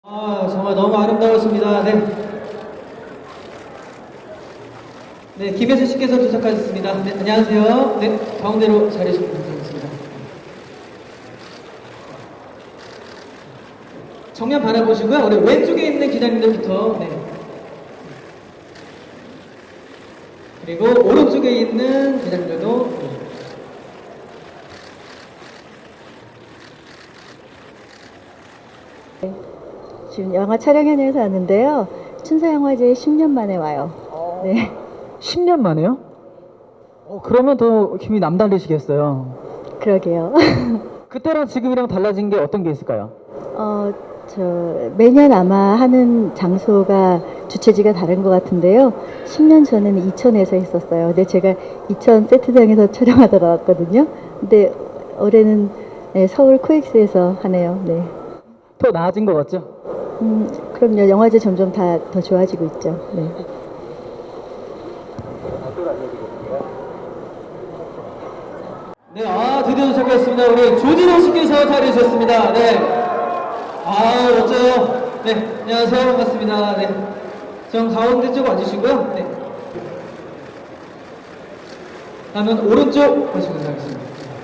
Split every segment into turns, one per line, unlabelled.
정말 너무 아름다웠습니다. 네. 네, 김혜수 씨께서 도착하셨습니다. 네, 안녕하세요. 네, 가운데로 자리해 주시면 감사하겠습니다. 정면 바라보시고요. 우리 왼쪽에 있는 기자님들부터, 네. 그리고 오른쪽에 있는 기자님들도, 네.
지금 영화 촬영 현장에서 왔는데요. 춘사영화제 10년 만에 와요. 네.
10년 만에요? 그러면 더 힘이 남다르시겠어요.
그러게요.
그때랑 지금이랑 달라진 게 어떤 게 있을까요?
매년 아마 하는 장소가 주최지가 다른 것 같은데요. 10년 전에는 이천에서 했었어요. 근데 제가 이천 세트장에서 촬영하다가 왔거든요. 근데 올해는 네, 서울 코엑스에서 하네요. 네.
더 나아진 것 같죠?
그럼요. 영화제 점점 다 더 좋아지고 있죠. 네.
네, 드디어 도착했습니다. 우리 조진호 씨께서 자리해 주셨습니다. 네. 멋져요. 네, 안녕하세요. 반갑습니다. 네. 전 가운데 쪽 와주시고요. 네. 다음은 오른쪽 가시면 하겠습니다.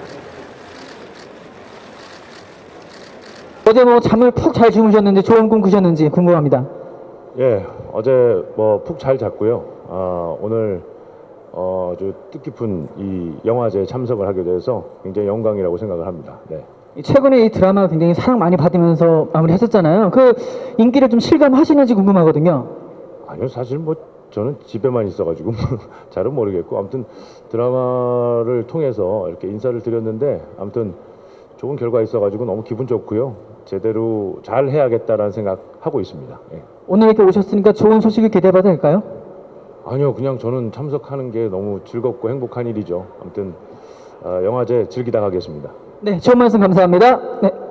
어제 잠을 푹 잘 주무셨는지 좋은 꿈 꾸셨는지 궁금합니다.
예, 어제 푹 잘 잤고요. 오늘 아주 뜻깊은 이 영화제에 참석을 하게 돼서 굉장히 영광이라고 생각을 합니다. 네.
최근에 이 드라마 굉장히 사랑 많이 받으면서 마무리했었잖아요. 그 인기를 좀 실감하시는지 궁금하거든요.
아니요, 사실 저는 집에만 있어가지고 잘은 모르겠고 아무튼 드라마를 통해서 이렇게 인사를 드렸는데 아무튼 좋은 결과 있어가지고 너무 기분 좋고요. 제대로 잘 해야겠다라는 생각하고 있습니다. 예.
오늘 이렇게 오셨으니까 좋은 소식을 기대해봐도 될까요?
아니요, 그냥 저는 참석하는 게 너무 즐겁고 행복한 일이죠. 아무튼 영화제 즐기다 가겠습니다.
네, 좋은 말씀 감사합니다. 네.